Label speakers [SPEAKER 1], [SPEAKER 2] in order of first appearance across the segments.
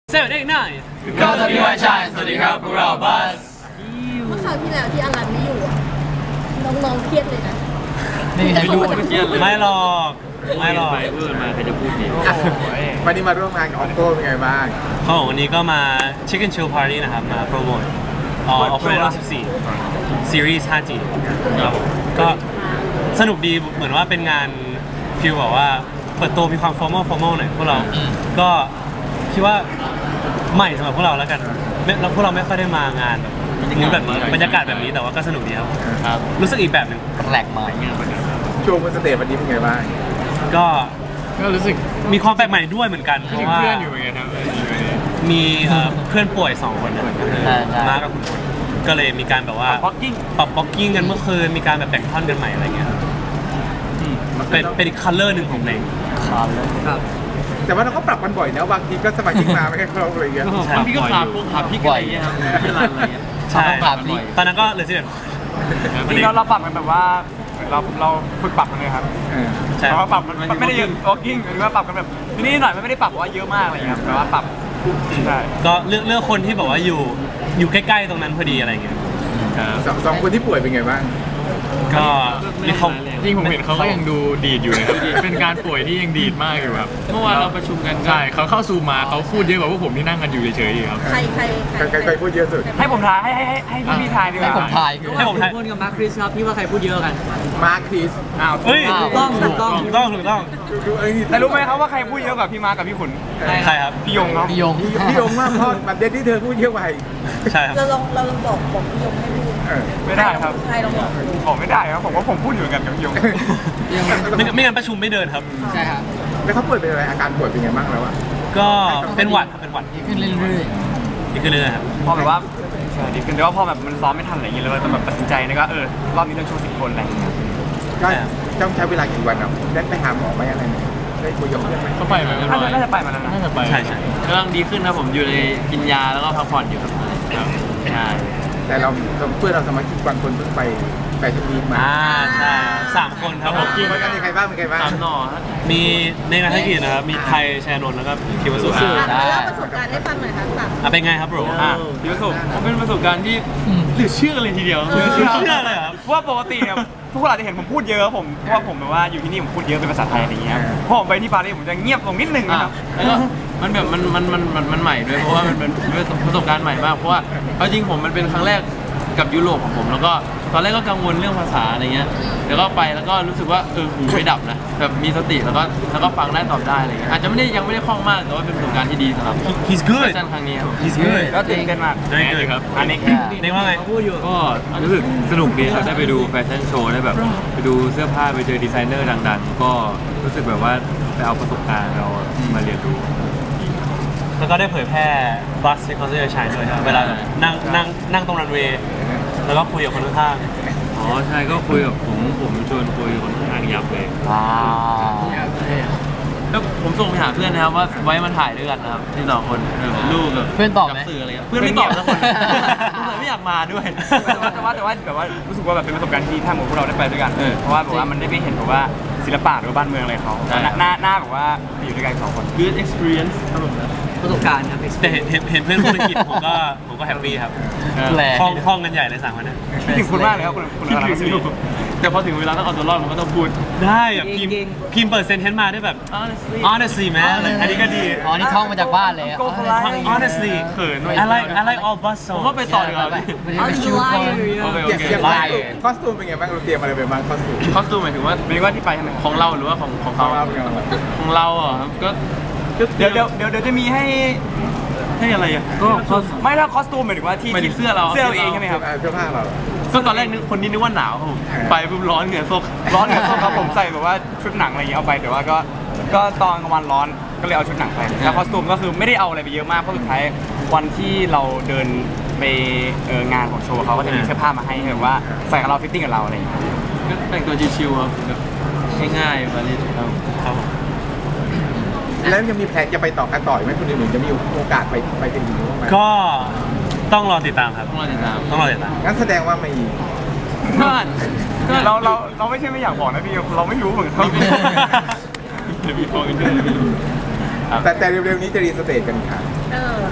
[SPEAKER 1] 789
[SPEAKER 2] ก็สวัสดีวันชายสวัสดีครับพวกเราบัส
[SPEAKER 3] เมื่อคราวที่แล้วที่อลันไม่อยู่อะน้องๆเครียดเลยนะ
[SPEAKER 2] นี่ไม่รู้เครียดเลย
[SPEAKER 1] ไม่หรอกไม่หรอก
[SPEAKER 2] ไปเพื่อนมาใครจะพูดดี
[SPEAKER 4] วันนี้มาร่วมงานกับออโต้เป็นไงบ้าง
[SPEAKER 1] เขาบอกวันนี้ก็มา Chicken Chill Party นะครับมาโปรโมทOppo 14 Series 5G ครับผมก็สนุกดีเหมือนว่าเป็นงานฟิลแบบว่าเปิดตัวมีความ formal หน่อยพวกเราก็คิดว่าใหม่สำหรับพวกเราแล้วกันแล้วพวกเราไม่ค่อยได้มางานแบบนี้บรรยากาศแบบนี้แต่ว่าก็สนุกดีครับ
[SPEAKER 2] ครับ
[SPEAKER 1] รู้สึกอีกแบบหนึ่ง
[SPEAKER 2] แปลกใหม่เงี้ย
[SPEAKER 4] ช่วงบนสเตจวันนี้เป็นไงบ้าง
[SPEAKER 1] ก็
[SPEAKER 2] รู้สึก
[SPEAKER 1] มีความแปลกใหม่ด้วยเหมือนกันเพราะว่า
[SPEAKER 2] เพื่อนอยู่เหมือนกันครับ
[SPEAKER 1] มีเพื่อนป่วย2คนนะครับก็คือมาร์คกับคุณพลก็เลยมีการแบบว่าปรับบ็อกกิ้งกันเมื่อคืนมีการแบบแบ่งท่อนกันใหม่อะไรเงี้ยเป็นอีกคัลเลอร์หนึ่งของเพลง
[SPEAKER 2] ครับ
[SPEAKER 4] แต่ว่าเราก็ปรับกันบ่อยนะบางทีก็สมาชิกมาไม่แค่ครบอะไรอย่างเงี้ย
[SPEAKER 2] พี่ก็ขาพี่อะไรเงี้ยครับที่ร้านอะไรเงี้ย
[SPEAKER 1] ใช่ตอนนั้นก็เลยสิเด็ด
[SPEAKER 5] จริงๆเราปรับกันแบบว่าเราฝึกปรับกันเลยครับ
[SPEAKER 1] ใช่
[SPEAKER 5] เพราะว่าปรับมันไม่ได้เยอะ walking หรือว่าปรับกันแบบทีนี้หน่อยมันไม่ได้ปรับว่าเยอะมากอะไรเงี้ยครับแต่ว่าปรับใช่
[SPEAKER 1] ก็เลือกคนที่แบบว่าอยู่ใกล้ๆตรงนั้นพอดีอะไรเงี้ย
[SPEAKER 4] สองคนที่ป่วยเป็นไงบ้าง
[SPEAKER 1] ก็มีความ
[SPEAKER 6] จริงผมเห็นเขาก็ยังดูดีดอยู่นะครับ เป็นการป่วยที่ยังดีดมากอยู่ครับ
[SPEAKER 2] เมื่อวานเราประชุมกัน
[SPEAKER 6] ใช่เขาเข้าซูมมาเขาพูดเยอะกว่าพวกผมที่นั่งกันอยู่เฉยๆอีกครับ
[SPEAKER 3] ใคร
[SPEAKER 4] ใครพูดเยอะสุด
[SPEAKER 5] ให้ผมทายให้พี่ทายดีกว่า
[SPEAKER 2] ให้ผมทาย
[SPEAKER 1] ให้ผมทาย
[SPEAKER 7] พูดกับมาร์คคริสครับพี่ว่าใครพูดเยอะกัน
[SPEAKER 4] มาร์คคริส
[SPEAKER 5] อ้าว
[SPEAKER 1] เฮ้ย
[SPEAKER 7] ถูกต้อง
[SPEAKER 1] ถูกต้อง
[SPEAKER 4] ดูไอ้นี่
[SPEAKER 5] แต่รู้ไหมครับว่าใครพูดเยอะกว่าพี่มาร์คกับพี่ขุน
[SPEAKER 1] ใช่ครับ
[SPEAKER 5] พี่ยงครับ
[SPEAKER 2] พี่ยง
[SPEAKER 4] พี่ยงมากเพราะประเด็นที่เธอพูดเยอะไป
[SPEAKER 1] ใช่ครับ
[SPEAKER 3] เราลองบอกพี่ยงให้พูด
[SPEAKER 5] ไม่ได้ครับ
[SPEAKER 3] ใครลองบอกดู
[SPEAKER 5] ผมไม่ได้ครับผมว่าผมพูดอยู่เหมือนกันกับพี่ยง
[SPEAKER 1] ไม่งั้นประชุมไม่เดินครับ
[SPEAKER 2] ใช่ครับ
[SPEAKER 4] แล้วเขาป่วยเป็นอะไรอาการป่วยเป็นไงบ้างแล้วอะ
[SPEAKER 1] ก็เป็นหวัดครับเป็นหวัด
[SPEAKER 2] ขึ้นเรื่อย
[SPEAKER 1] นี่คือเรื่องครับ
[SPEAKER 5] พอแบบว่าใช่ดีขึ้นแต่ว่าพอแบบมันซ้อมไม่ทันอะไรอย่างเงี้ยแล้วเราต้องแบบตัดสินใจนะก็รอบนี้ต้องโชว์10 คนอะไรอย่างเงี้ย
[SPEAKER 4] ก็ต้องใช้เวลากี่วันอ่ะได้ไปหาหมอไหมอะไรไหมได้คุยกับเพื่อนไหม
[SPEAKER 6] ก็ไปมาเรียบร้อย
[SPEAKER 5] น่าจะไปมาแล้วนะ
[SPEAKER 6] น่าจะไป
[SPEAKER 1] ใช่
[SPEAKER 2] ๆกำลังดีขึ้นครับผมอยู่ในกินยาแล้วก็พักผ่อนอยู่ครับใช่
[SPEAKER 4] แต่เราเพื่อนเราสมาชิกบางคนเพิ่งไปแฟชั่นวีคมา
[SPEAKER 1] ใช่3 คนครับผม
[SPEAKER 4] วันนั้นมีใครบ้างเป็นไงบ้าง
[SPEAKER 2] ตามหน่อฮะ
[SPEAKER 1] มีในนักธุรกิจนะครับมีไทยแชร์นนท์แล้วก็คิวสุ
[SPEAKER 3] อ่ะเล่าประสบการณ์ให้ฟังหน่อยค่ะสาม
[SPEAKER 1] เป็นไงครับโบร
[SPEAKER 2] พี่ประสบผมเป็นประสบการณ์ที่เหลือเชื่อเลยทีเดียว
[SPEAKER 1] เชื่อเลยครับ
[SPEAKER 5] เพราะว่าปกติเนี่ยทุกคนอาจจะเห็นผมพูดเยอะผมเพราะว่าผมแบบว่าอยู่ที่นี่ผมพูดเยอะเป็นภาษาไทยอะไรอย่างเงี้ยพอผมไปที่ปารีสผมจะเงียบลงนิดนึงนะครับ
[SPEAKER 2] แล้วก็มันแบบมันใหม่ด้วยเพราะว่ามันเป็นประสบการณ์ใหม่มากเพราะว่าเอาจริงผมมันเป็นครั้งแรกกับยุโรปของผมแล้วก็ตอนแรกก็กังวลเรื่องภาษาอะไรเงี้ยแล้วก็ไปแล้วก็รู้สึกว่าหูไม่ดับนะแบบมีสติแล้วก็ฟังได้ตอบได้อะไรเงี้ยอาจจะยังไม่ได้คล่องมากแต่ว่าเป็นประสบการณ์ที่ดีสำหรับ
[SPEAKER 1] he's
[SPEAKER 2] แฟ
[SPEAKER 1] good
[SPEAKER 2] ชั่นครั้งนี้ครับ
[SPEAKER 1] he's good
[SPEAKER 5] ก็ตื่นเต้นมาก
[SPEAKER 1] very good
[SPEAKER 6] ครับ
[SPEAKER 5] อันนี้
[SPEAKER 1] เนว่าไง
[SPEAKER 6] ก็รู้สึกสนุกดีครับได้ไปดูแฟชั่นโชว์ได้แบบไปดูเสื้อผ้าไปเจอดีไซเนอร์ดังๆ ก็รู้สึกแบบว่าไปเอาประสบการณ์เรามาเรียนรู้
[SPEAKER 1] แล้วก็ได้เผยแพร่ Bus Because You're Shine ด้วยครับเวลาแบบนั่งตรงรันเวย์แล้วก็คุยกับคนข้าง
[SPEAKER 6] อ๋อใช่ก็คุยกับผมชวนคุยกับคนข้างยับเลย
[SPEAKER 2] ว้าวแล้วผมส่งไปหาเพื่อนนะครับว่าไว้มาถ่ายด้วยกันนะครับที่2 คนรูปแบบ
[SPEAKER 7] เพื่อนตอบไหม
[SPEAKER 2] กับสื่ออะไรเงี้ยเพื่อนไม่ตอบสักคนไม่อยากมาด้วย
[SPEAKER 5] แต่ว่าแบบว่ารู้สึกว่าแบบเป็นประสบการณ์ที่ถ้าหมดพวกเราได้ไปด้วยกันเพราะว่าแบบว่ามันได้ไปเห็นแบบว่าศิลปะหรือว่าบ้านเมืองอะไรเขาหน้าแบบว่าอยู่ด้วยกัน2 คน
[SPEAKER 2] good experience ครับผม
[SPEAKER 7] ประสบการณ์ครับ
[SPEAKER 1] ๆแต่เห็นเพื่อนคนอังกฤษผมก็แฮปปี้ครับ
[SPEAKER 2] แหละ
[SPEAKER 1] คล่องกันใหญ่เลย3 คนเนี้
[SPEAKER 5] คิดถึงคุณมากเลยครับคุณอะไรนะ
[SPEAKER 2] แต่พอถึงเวลาต้องเอาตัวรอดมันก็ต้องพูด
[SPEAKER 1] ได้แบบพิมพ์เปิดเซนเทนต์มาได้แบบ honestly man อันนี้ก็ดี
[SPEAKER 7] อ๋อนี่ท่องมาจากบ้านเลย
[SPEAKER 1] honestly
[SPEAKER 2] เขินด้วย
[SPEAKER 1] I like all bus
[SPEAKER 2] ผม
[SPEAKER 1] songs
[SPEAKER 2] ว่าไปต่อดีกว่า
[SPEAKER 7] Are you liar
[SPEAKER 2] โอเค
[SPEAKER 4] อย่าง
[SPEAKER 1] ไล่
[SPEAKER 4] คอสตูมเป็นไงบ้างเราเตรียมอะไรไปบ้างคอสตูม
[SPEAKER 2] คอสตูมหมายถึงว่า
[SPEAKER 5] ไม่ว่าที่ไปใช่ไหม
[SPEAKER 2] ของเราหรือว่าของ
[SPEAKER 4] เขา
[SPEAKER 2] เขา
[SPEAKER 4] เราเป็นไงบ้าง
[SPEAKER 2] ของเราอ่ะครับก็
[SPEAKER 5] เดี๋ยวจะมีให้
[SPEAKER 2] ให้อะไรอ่ะ
[SPEAKER 5] ไม่ถ้าคอสตูมหมายถึงว่าที่
[SPEAKER 2] หมายถึงเสื้อเรา
[SPEAKER 5] เสื้อเราเองใช่ไหมครับ
[SPEAKER 4] เสื้อผ้าเรา
[SPEAKER 2] ก็ตอนแรกคนนี้นึกว่าหนาวครับผมไปปุ๊บร้อนเหงื่อซก
[SPEAKER 5] ร้อนเหนือส้มครับผมใส่แบบว่าชุดหนังอะไรอย่างเงี้ยเอาไปแต่ว่าก็ตอนกลางวันร้อนก็เลยเอาชุดหนังไปแล้วคอสตูมก็คือไม่ได้เอาอะไรไปเยอะมากเพราะสุดท้ายวันที่เราเดินไปงานของโชว์เขาก็จะมีเสื้อผ้ามาให้แบบว่าใส่กับเราฟิตติ้งกับเราอะไรอย่างเงี้ย
[SPEAKER 2] ก็แต่งตัวชิวๆครับแบบง่ายๆมาเลยครับ
[SPEAKER 1] ครับผม
[SPEAKER 4] แล้วยังมีแผนจะไปต่อกันต่อไหมคนอื่นๆจะมีโอกาสไปถึงนู้นไหม
[SPEAKER 1] ก็ต้องรอติดตามครับ
[SPEAKER 2] ต้องรอติดตาม
[SPEAKER 1] ต้องรอติดตาม
[SPEAKER 4] งั้นแสดงว่าไม่
[SPEAKER 5] เราไม่ใช่ไม่อยากบอกนะพี่เราไม่รู้เหมือนกัน
[SPEAKER 6] เดี๋ยวมีฟองกันด้วย
[SPEAKER 4] แต่เร็วๆนี้จะรีสเตทกันค่ะ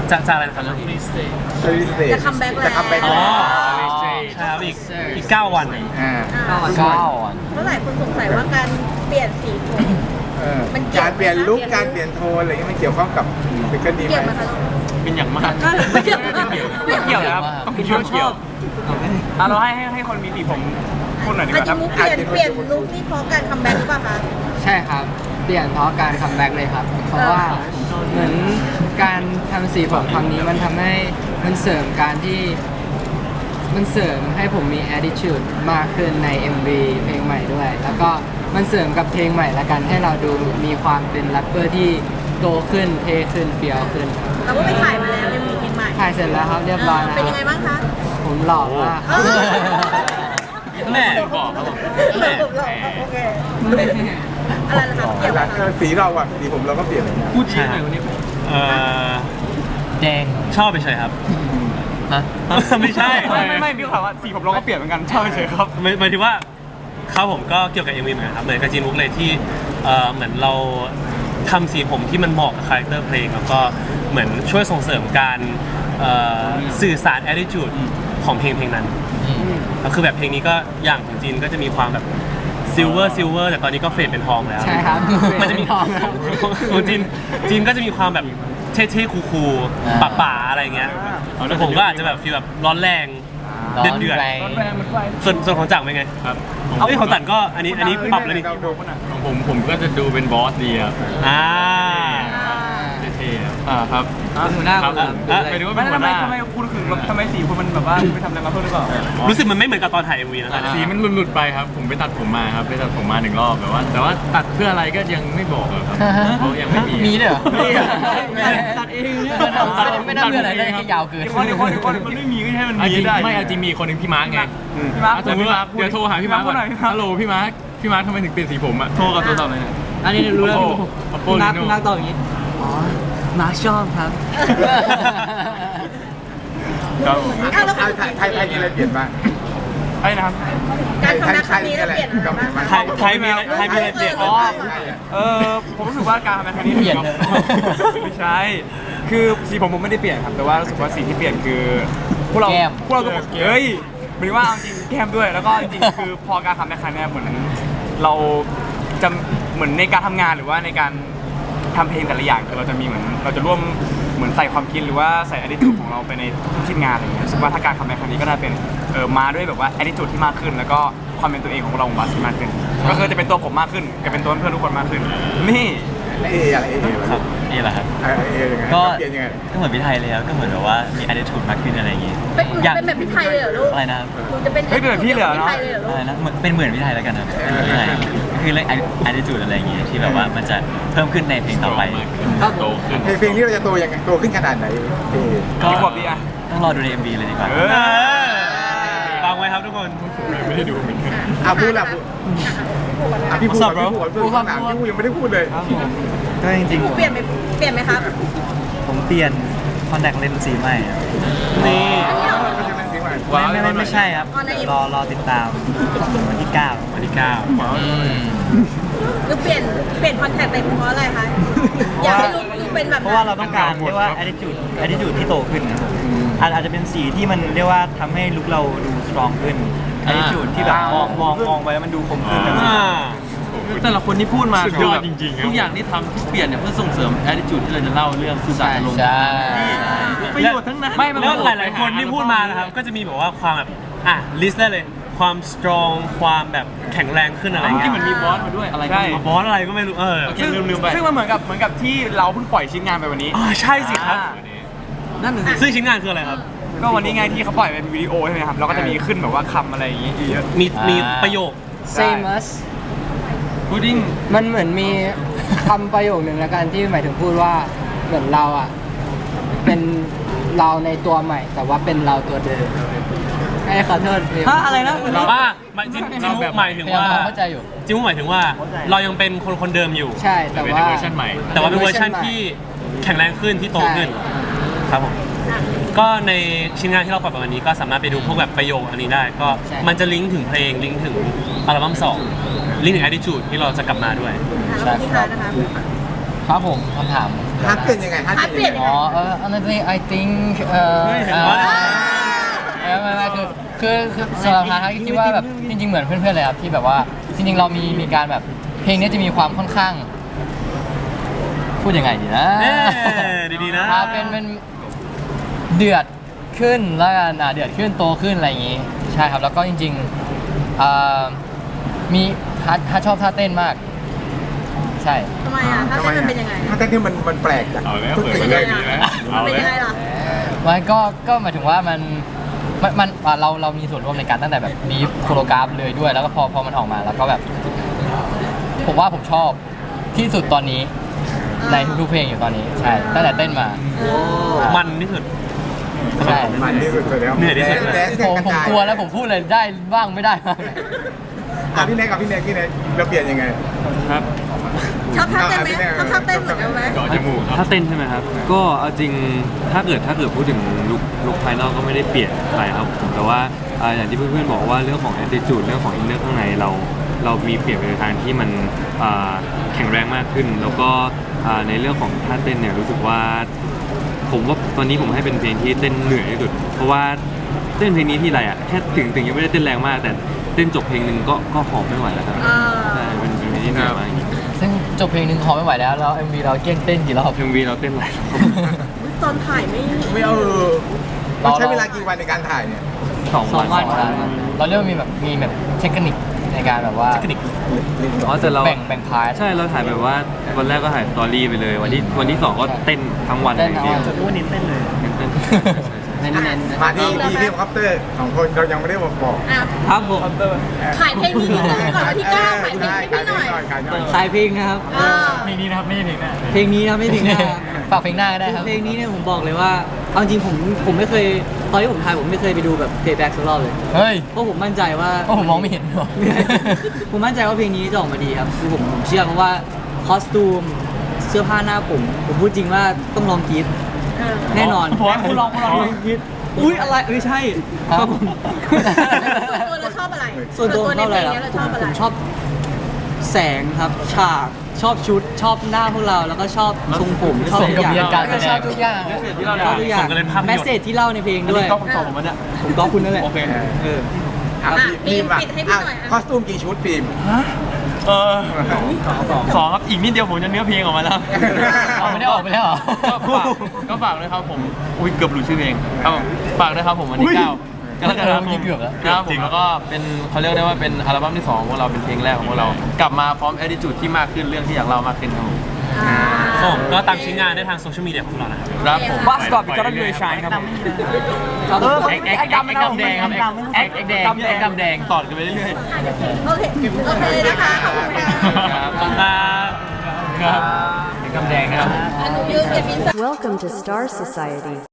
[SPEAKER 1] จะอะไรนะครับ
[SPEAKER 3] จะคัมแบ็กแล้ว
[SPEAKER 4] จะคัมแบ็ก
[SPEAKER 1] อ๋อ
[SPEAKER 4] แล้ว
[SPEAKER 1] ใช่ครับอีก9 วัน
[SPEAKER 4] อ่า
[SPEAKER 3] เมื่อไหร่คนสงสัยว่าการเปลี่ยนสีผม มันเกี่ยว
[SPEAKER 4] การเปลี่ยนลุคการเปลี่ยนโทนอะไรเงี้ยมันเกี่ยวข้องกับซิงเกิลนี้ไห
[SPEAKER 3] เกี่ยวไห
[SPEAKER 4] ม
[SPEAKER 3] มคะ
[SPEAKER 2] เป็นอย่างมาก
[SPEAKER 3] ไม่เกี่ยว
[SPEAKER 5] ไม่เกี่ยวนะครับต้องเป็นคนชอบเราให้คนมีสีผมพูดหน่อยดีก
[SPEAKER 3] อา
[SPEAKER 5] ว่า
[SPEAKER 3] จ
[SPEAKER 5] ค
[SPEAKER 3] จะ
[SPEAKER 5] รับ
[SPEAKER 3] มุกเปลี่ยนลุคนี่เพราะการคัมแบ็กหรือเปล่าคะ
[SPEAKER 7] ใช่ครับ เปลี่ยนเพราะการคัมแบ็กเลยครับ เพราะว่าเหมือนการทำสีผมครั้งนี้มันทำให้มันเสริมการที่มันเสริมให้ผมมี attitude มากขึ้นใน MV เพลงใหม่ด้วย แล้วก็มันเสริมกับเพลงใหม่ละกันให้เราดูมีความเป็นแรปเปอร์ที่โตขึ้นเท่ขึ้นเฟี้ยวขึ้นครับ
[SPEAKER 3] เราก็ไปถ่ายมาแล้วยังมีเพลงใหม่
[SPEAKER 7] ถ่ายเสร็จแล้วครับเรียบร้อยแล้ว
[SPEAKER 3] เป็นยังไงบ้างคะ
[SPEAKER 7] ผมหล่อมาก
[SPEAKER 1] แม่
[SPEAKER 2] บอกครับผม
[SPEAKER 3] โอเคอะไรนะครับเกี่ยวกับ
[SPEAKER 4] สีเราอะสีผมเราก็เปลี่ยนเลยนะ
[SPEAKER 2] พูดชื่อหน่อยวันนี้
[SPEAKER 1] เอ่อ
[SPEAKER 7] แดง
[SPEAKER 1] ชอบไปเฉยครับ
[SPEAKER 7] ฮะ
[SPEAKER 1] ไม่ใช่
[SPEAKER 5] ไม่พี่ถามว่าสีผมเราก็เปลี่ยนเหมือนกันชอบเฉยครับ
[SPEAKER 1] หมายถึงว่าเขาผมก็เกี่ยวกับ MV เหมือนกันครับเหมือนกับจีนมุกเลยที่เหมือนเราทำสีผมที่มันเหมาะกับคาแรคเตอร์เพลงแล้วก็เหมือนช่วยส่งเสริมการสื่อสาร attitude ของเพลงนั้นแล้วคือแบบเพลงนี้ก็อย่างของจีนก็จะมีความแบบซิลเวอร์แต่ตอนนี้ก็เฟดเป็นทองแล้ว
[SPEAKER 7] ใช่ครับ
[SPEAKER 1] มันจะมี
[SPEAKER 7] ทองครับ
[SPEAKER 1] ของจีนก็จะมีความแบบเท่ๆคูลๆป่าๆอะไรเงี้ยแต่ผมก็อาจจะแบบฟีลแบบร้อนแรงเดือด
[SPEAKER 5] แรงเหมือนไฟ
[SPEAKER 1] ส่วนของจังเป็นไง
[SPEAKER 6] ครับ
[SPEAKER 1] เอ้ยของจันก็อันนี้ปรับแล้วนี่
[SPEAKER 6] ของผมก็จะดูเป็นบอสดีครับ
[SPEAKER 1] อ่า
[SPEAKER 6] เท่ๆครับ
[SPEAKER 2] ครับ
[SPEAKER 7] เป็นหัวหน้าคนละ
[SPEAKER 6] ไปดูว่า
[SPEAKER 5] ไม่
[SPEAKER 6] เป็นหัวหน้า
[SPEAKER 5] ทำไมคุณถึงทำไมสีคุณมันแบบว่าไปทำอะไรมาเพิ่มหรือเปล่า
[SPEAKER 1] รู้สึกมันไม่เหมือนกับตอนถ่าย MV นะ
[SPEAKER 6] สีมันหลุดๆไปครับ ผมไปตัดผมมาครับไปตัดผมมา1 รอบแต่ว่าตัดเพื่ออะไรก็ยังไม่บอกอะครับเพราะยังไม่มี
[SPEAKER 7] มีด้วยเหรอ
[SPEAKER 6] มีอะ
[SPEAKER 7] ตัดเองเนี่ยไม่ได้เพื่ออะไรได้แค่ยาวเกิน
[SPEAKER 5] คนมันไม่มีก็ให้มัน
[SPEAKER 6] เอา
[SPEAKER 5] มี
[SPEAKER 6] จริง
[SPEAKER 5] ได้
[SPEAKER 6] ไม่เอาจริงมีคนหนึ่งพี่มาร์กไง
[SPEAKER 5] พี่มาร์ค
[SPEAKER 6] แต่พี่มาร์คเดี๋ยวโทรหาพี่มาร์กก่อน
[SPEAKER 5] หน่อยพี่มาร์ค
[SPEAKER 6] ฮัลโหลพี่มาร์คทำไมถึงเปลี่ยนสีผมอะ
[SPEAKER 2] โทรกับโทรศัพท์เลยเนี่ย
[SPEAKER 7] อันนี้รู้แล้ว
[SPEAKER 6] Oppo
[SPEAKER 7] พี่นัก
[SPEAKER 6] Reno
[SPEAKER 7] ตอบอย่างนี้ อ๋อ มาร์คชอบครับ
[SPEAKER 6] ครับ
[SPEAKER 3] อ้าวแล้ว
[SPEAKER 4] ไทยมีอะไรเปลี่ยนบ้าง
[SPEAKER 5] ไอ้นะครับ
[SPEAKER 3] การคัมแบ็กครั้งนี้เราเปลี่ยนอะไรบ้างคะ
[SPEAKER 1] ไทยมีอะไรเปลี่ยน
[SPEAKER 3] อ๋อ
[SPEAKER 5] ผมรู้สึกว่าการทำงานครั้งนี้
[SPEAKER 7] เปลี่ยนเลย
[SPEAKER 5] ไม่ใช่ คือสีผมไม่ได้เปลี่ยนครับ แต่ว่ารู้สึกว่าสีที่เปลี่ยนคือพวกเรา
[SPEAKER 7] แก้ม
[SPEAKER 5] พวกเราทุกคนเฮ้ยหมายถึงว่าเอาจริงแก้มด้วย แล้วก็จริงๆคือพอการทำในครั้งนี้เหมือนเราจะเหมือนในการทำงานหรือว่าในการทำเพลงแต่ละอย่างคือเราจะมีเหมือนเราจะร่วมเหมือนใส่ความคิดหรือว่าใส่ attitude ของเราไปในทุกชิ้นงานอะไรอย่างเงี้ยรู้สึกว่าถ้าการทำในครั้งนี้ก็น่าเป็นมาด้วยแบบว่า attitude ที่มากขึ้น แล้วก็ความเป็นตัวเองของเราของบาสที่มากขึ้น ก็คือจะเป็นตัวผมมากขึ้นกับเป็นตัวเพื่อนทุกคนมากขึ้น นี่
[SPEAKER 4] เออะไรเอ
[SPEAKER 8] ครับนี่แหละครับ
[SPEAKER 4] เอยังไง
[SPEAKER 8] ก็
[SPEAKER 4] เปลี่ยนยังไง
[SPEAKER 8] ก็เหมือนพี่ไทยเลยครับก็เหมือนแบบว่ามี attitude มากขึ้นอะไรอย่างงี้
[SPEAKER 3] เป็นหนูเป็นแบบพี่ไทยเลยเหรอลูก
[SPEAKER 8] อะไรนะครับ
[SPEAKER 3] หนูจะเป็น
[SPEAKER 5] เฮ้ยเป็นแบบพี่เลยเหรอ
[SPEAKER 3] พี่ไทยเลยเหรอลู
[SPEAKER 8] อะ
[SPEAKER 3] ก
[SPEAKER 8] ไรนะเป็นเหมือนพี่ไทยแล้วกันนะเป็นเหมือนพี่ไทยก็คือเรื่อง attitude อะไรอย่างงี้ที่แบบว่ามันจะเพิ่มขึ้นในเพลงต่อไป
[SPEAKER 6] โตขึ้น
[SPEAKER 4] เพลงนี้เราจะโตยังไงโตขึ้นขนาดไหนเอ
[SPEAKER 5] กี่ขวบดีอะ
[SPEAKER 8] ต้องรอดูใน MV เลยดีกว่า
[SPEAKER 1] ฟังไว้ครับทุกคน
[SPEAKER 6] ไม่ได้ดูเหมือนกัน
[SPEAKER 4] พูดละพี่พูดพี่ยังไม่ได้พูดเลย
[SPEAKER 7] ก็จริง
[SPEAKER 3] หนูเปลี่ยนไหมครับ
[SPEAKER 7] ๆ ผมเปลี่ยนคอนแทคเลนส์สีใหม่ครับ
[SPEAKER 1] นี่
[SPEAKER 7] ไม่ใช่ครับ
[SPEAKER 3] อ๋อใน
[SPEAKER 7] รอติดตามวันที่ 9
[SPEAKER 1] วันที่
[SPEAKER 3] หรือเปลี่ยนคอนแทคเป็นเพราะอะไรคะอยากให้ลูกเป็นแบบ
[SPEAKER 7] เพราะว่าเราต้องการเรียกว่า attitude ที่โตขึ้นนะครับอาจจะเป็นสีที่มันเรียกว่าทำให้ลุคเราดู strong ขึ้น attitude ที่แบบมองไปแล้วมันดูคมขึ้น
[SPEAKER 1] 9
[SPEAKER 2] แต่ละคนที่พูดมา
[SPEAKER 6] สุดยอดจริงๆครับ
[SPEAKER 2] ทุกอย่างที่ทำที่เปลี่ยนเนี่ยเพื่อส่งเสริม attitude ที่เราจะเล่าเรื่องคือการลง
[SPEAKER 7] ใช่
[SPEAKER 2] ประโยชน์ทั้งนั้น
[SPEAKER 1] แล้วหลายๆคนที่พูดมานะครับก็จะมีแบบว่าความแบบลิสต์ได้เลยความ strong ความแบบแข็งแรงขึ้นอะไร
[SPEAKER 2] เมื่อ
[SPEAKER 1] เงี้
[SPEAKER 2] กี้
[SPEAKER 1] ย
[SPEAKER 2] เหมือนมีบอสมาด้วยอะไรก็ไม่รู้
[SPEAKER 1] บอสอะไรก็ไม่รู้
[SPEAKER 2] โอเค
[SPEAKER 5] ซึ่ง
[SPEAKER 2] ลืมไป
[SPEAKER 5] ซึ่งมันเหมือนกับที่เราเพิ่งปล่อยชิ้นงานไปวันนี้
[SPEAKER 1] ใช่สิครับ
[SPEAKER 2] นั่นน่ะสิ
[SPEAKER 1] ซึ่งชิ้นงานคืออะไรครับ
[SPEAKER 5] ก็วันนี้ไงที่เขาปล่อยเป็นวิดีโอใช่ไหมครับเราก็จะมีขึ้นแบบว่าคำอะไรอย่างงี้เยอะ
[SPEAKER 1] มีประโยค
[SPEAKER 7] same us
[SPEAKER 2] พุดดิ้ง
[SPEAKER 7] มันเหมือนมีคำประโยคหนึ่งแล้วกันที่หมายถึงพูดว่าเหมือนเราอ่ะ เป็นเราในตัวใหม่ แต่ว่าเป็นเราตัวเดิมให้ขอโทษฮะอะไรนะ
[SPEAKER 1] เราว่าจิมุกหมายถึงว่า
[SPEAKER 7] เข้าใจอยู่
[SPEAKER 1] จิมุกหมายถึงว่าเรายังเป็นคนเดิมอยู่
[SPEAKER 7] ใช่แต่
[SPEAKER 6] เป็น
[SPEAKER 7] ว่า
[SPEAKER 6] เวอร์ชันใหม่
[SPEAKER 1] แต่ว่าเป็นเวอร์ชันที่แข็งแรงขึ้นที่โตขึ้น
[SPEAKER 7] ใช่
[SPEAKER 1] ครับผมก็ในชิ้นงานที่เราปล่อยไปวันนี้ก็สามารถไปดูพวกแบบประโยคอันนี้ได้ ก็
[SPEAKER 7] ใช่
[SPEAKER 1] มันจะลิงก์ถึงเพลงลิงก์ถึงอัลบั้ม2ลิงก์ถึง attitude ที่เราจะกลับมาด้วย
[SPEAKER 3] ที่ทานนะคะ
[SPEAKER 7] ครับผมคำถาม
[SPEAKER 4] ฮาร์ดเป็นยังไงฮาร์ด
[SPEAKER 3] ฮาร์ด
[SPEAKER 4] เป็น
[SPEAKER 3] เปลี่ย
[SPEAKER 4] ยั
[SPEAKER 3] น
[SPEAKER 4] ง
[SPEAKER 3] ยั
[SPEAKER 4] ไง
[SPEAKER 3] งไง
[SPEAKER 7] honestly I think
[SPEAKER 1] เห็นว่า
[SPEAKER 7] ไม่คือสำหรับฮาร์ดคิดว่าแบบจริงๆเหมือนเพื่อนๆเลยครับที่แบบว่าจริงๆเรามีการแบบเพลงนี้จะมีความค่อนข้าง พูดยังไงดีนะ
[SPEAKER 1] ดีๆนะ
[SPEAKER 7] เป็นเดือดขึ้นแล้วกันเดือดขึ้นโตขึ้นอะไรอย่างงี้ใช่ครับแล้วก็จริงๆมีฮาร์ดชอบท่าเต้นมากใช่
[SPEAKER 3] ทำไมอ่ะถ้าเต้นมันเป็นยังไง
[SPEAKER 4] ถ้าเต้นนี่มันแปลกจาก
[SPEAKER 6] เอาแล้ว
[SPEAKER 4] ทุก
[SPEAKER 6] เปิด
[SPEAKER 4] สิ่ง
[SPEAKER 6] เล
[SPEAKER 4] เลย ย
[SPEAKER 6] ดีแล้ว
[SPEAKER 3] มันเป็นยังไงล่ะ
[SPEAKER 7] มันก็หมายถึงว่ามันเรามีส่วนร่วมในการตั้งแต่แบบบีฟโคโรกราฟเลยด้วย แล้วก็พอมันออกมาแล้วก็แบบ ผมว่าผมชอบที่สุดตอนนี้ในทุกๆเพลงอยู่ตอนนี้ใช่ตั้งแต่เต้นมา
[SPEAKER 1] มันที่สุด
[SPEAKER 7] ใช่
[SPEAKER 4] มันที่สุดเลยแล้ว
[SPEAKER 1] เหนื่อยที่สุด
[SPEAKER 4] แดนซ์
[SPEAKER 7] ผมกลัวแล้วผมพูดเลยได้บ้างไม่ได้บ้าง
[SPEAKER 4] พี่เน็กกับพี่เน็กเราเปลี่ยนยังไง
[SPEAKER 6] ครับ
[SPEAKER 3] ชอบท่าเต้นไหมชอบท่าเต้นเหมือนกันไหม
[SPEAKER 6] เจาะจมูกครับ
[SPEAKER 9] ถ้าเต้นใช่ไหมครับ ก็เอาจริงถ้าเกิดพูดถึงลุคภายนอกก็ไม่ได้เปลี่ยนอะไรครับผมแต่ว่าอย่างที่เพื่อนๆบอกว่าเรื่องของ attitude เรื่องของ inner ข้างในเรามีเปลี่ยนไปในทางที่มันแข็งแรงมากขึ้น แล้วก็ในเรื่องของท่าเต้นเนี่ยรู้สึกว่าผมว่าตอนนี้ผมให้เป็นเพลงที่เต้นเหนื่อยที่สุดเพราะว่าเต้นเพลงนี้ที่ไรอ่ะแค่ถึงยังไม่ได้เต้นแรงมาก แต่เต้นจบเพลงหนึ่งก็หอบไม่ไหวแล้วครับใช่เป็นเพลงที่เหนื่อยมากจริง
[SPEAKER 7] ซึ่งจบเพลงหนึ่งขอไม่ไหวแล้วแล้ว MV เราเกี้ยงเต้นกี่รอบ
[SPEAKER 9] เพลงวีเราเต้นหลายรอบ
[SPEAKER 3] ตอนถ่ายไม่
[SPEAKER 4] ไม่เอามันใช้เวลากี่วันในการถ่ายเนี่ย
[SPEAKER 9] 2 วัน
[SPEAKER 7] เราเรียกว่ามีแบบเทคนิคในการแบบว่า
[SPEAKER 1] เทคนิค
[SPEAKER 9] อ๋อแต่เรา
[SPEAKER 7] แบ่งพาร์ท
[SPEAKER 9] ใช่เราถ่ายแบบว่าวันแรกก็ถ่ายสตอรี่ไปเลยวันที่ 2 ก็เต้นทั้งวัน
[SPEAKER 7] เต้นทั้งวัน
[SPEAKER 9] จนรู้ว่านิ้นเต้นเลยเต้น
[SPEAKER 7] เน้นๆ
[SPEAKER 4] มาที่พี่คอปเตอร์ของคนเรายังไม่ได้บอก
[SPEAKER 3] อ่ะ
[SPEAKER 5] ครับผม
[SPEAKER 3] ขายเพลงนี้นิดนึงก่อนวันที่9ขายเพลงให้พี่หน่อย
[SPEAKER 4] ขายหน่อย
[SPEAKER 5] ขายเพลงนะครับ
[SPEAKER 7] เพลงนี้นะครับไม่ใช่เพลงหน้า
[SPEAKER 5] เพลงนี้นะไม่ถึงหน้า
[SPEAKER 7] ฝากเพลงหน้าก็ได้ครับ
[SPEAKER 5] เพลงนี้เนี่ยผมบอกเลยว่าเอาจริงผมไม่เคยตอนที่ผมถ่ายผมไม่เคยไปดูแบบเพลย์แบ็กสักรอบเลย
[SPEAKER 7] เฮ้ย
[SPEAKER 5] เพราะผมมั่นใจว่า
[SPEAKER 7] ก็ผมมองไม่เห็นหรอ
[SPEAKER 5] ผมมั่นใจว่าเพลงนี้จะออกมาดีครับคือผมเชื่อเพราะว่าคอสตูมเสื้อผ้าหน้าผมพูดจริงว่าต้องลองกรีดแน่นอน
[SPEAKER 7] ผมว่าคุณลองกรีด
[SPEAKER 5] อุ้ยอะไรไม่ใช่ครับผม
[SPEAKER 3] ส่วนตัวเราชอบอะไร
[SPEAKER 5] ส่วนตัวผมชอบอะไร
[SPEAKER 3] ใน
[SPEAKER 5] ล่ะ
[SPEAKER 3] เพลงนี้เราชอบอะไร
[SPEAKER 5] ผมชอบแสงครับฉากชอบชุดชอบหน้าพวกเราแล้วก็ชอบทรงผมชอบ
[SPEAKER 7] สม
[SPEAKER 5] ทุ
[SPEAKER 7] กับ
[SPEAKER 5] กอ
[SPEAKER 7] เรีย
[SPEAKER 5] ย่าน ง
[SPEAKER 7] การแสด
[SPEAKER 5] ชอง บทุกอย่าง
[SPEAKER 2] ที่เรา
[SPEAKER 5] ชอบทุกอย่าง
[SPEAKER 1] ส่งกันเป็นภาพยนตร์
[SPEAKER 5] แมสเซจที่เล่าในเพลงด้วย
[SPEAKER 2] ก็ผมตอบผมมันเนี่ย
[SPEAKER 5] ผมก็คุณนั่นแหละ
[SPEAKER 2] โอเค
[SPEAKER 5] เออ
[SPEAKER 4] ฟิล์มคอสตูมกี่ชุดฟิล์ม
[SPEAKER 2] สองครับอีกนิดเดียวผมจะเนื้อเพลงออกมาแล้ว
[SPEAKER 7] เอาไม่ได้ออกไปแล้วเหรอ
[SPEAKER 2] ก็ฝากด้วยครับผมอุ้ยเกือบหลุดชื่อเพลงครับผมฝากด้วยครับผมวันที่9กรกฎาคม
[SPEAKER 7] เกือบแล้ว
[SPEAKER 2] ครับผมแล้วก็เป็นเขาเรียกได้ว่าเป็นอัลบั้มที่2ของพวกเราเป็นเพลงแรกของพวกเรากลับมาพร้อม attitude ที่มากขึ้นเรื่องที่อยากเล่ามากขึ้นครับผม
[SPEAKER 1] ผมก็ตามชิ้นงานได้ทางโซเชียลมีเดียของเรานะครับ
[SPEAKER 2] ครับผม
[SPEAKER 5] บัสกอตบิคอนยูชายครับ
[SPEAKER 2] แอคดำแดงครับแอคแดงแอคดำแดงต่อกันไปเรื่อย
[SPEAKER 3] โอเคนะคะ ขอบคุณค่ะ
[SPEAKER 1] ขอบคุณครับ
[SPEAKER 2] ครับแอคดำแดงครับ
[SPEAKER 3] อนุยืนเก็บอินเสิร์ต
[SPEAKER 10] Welcome to Star Society.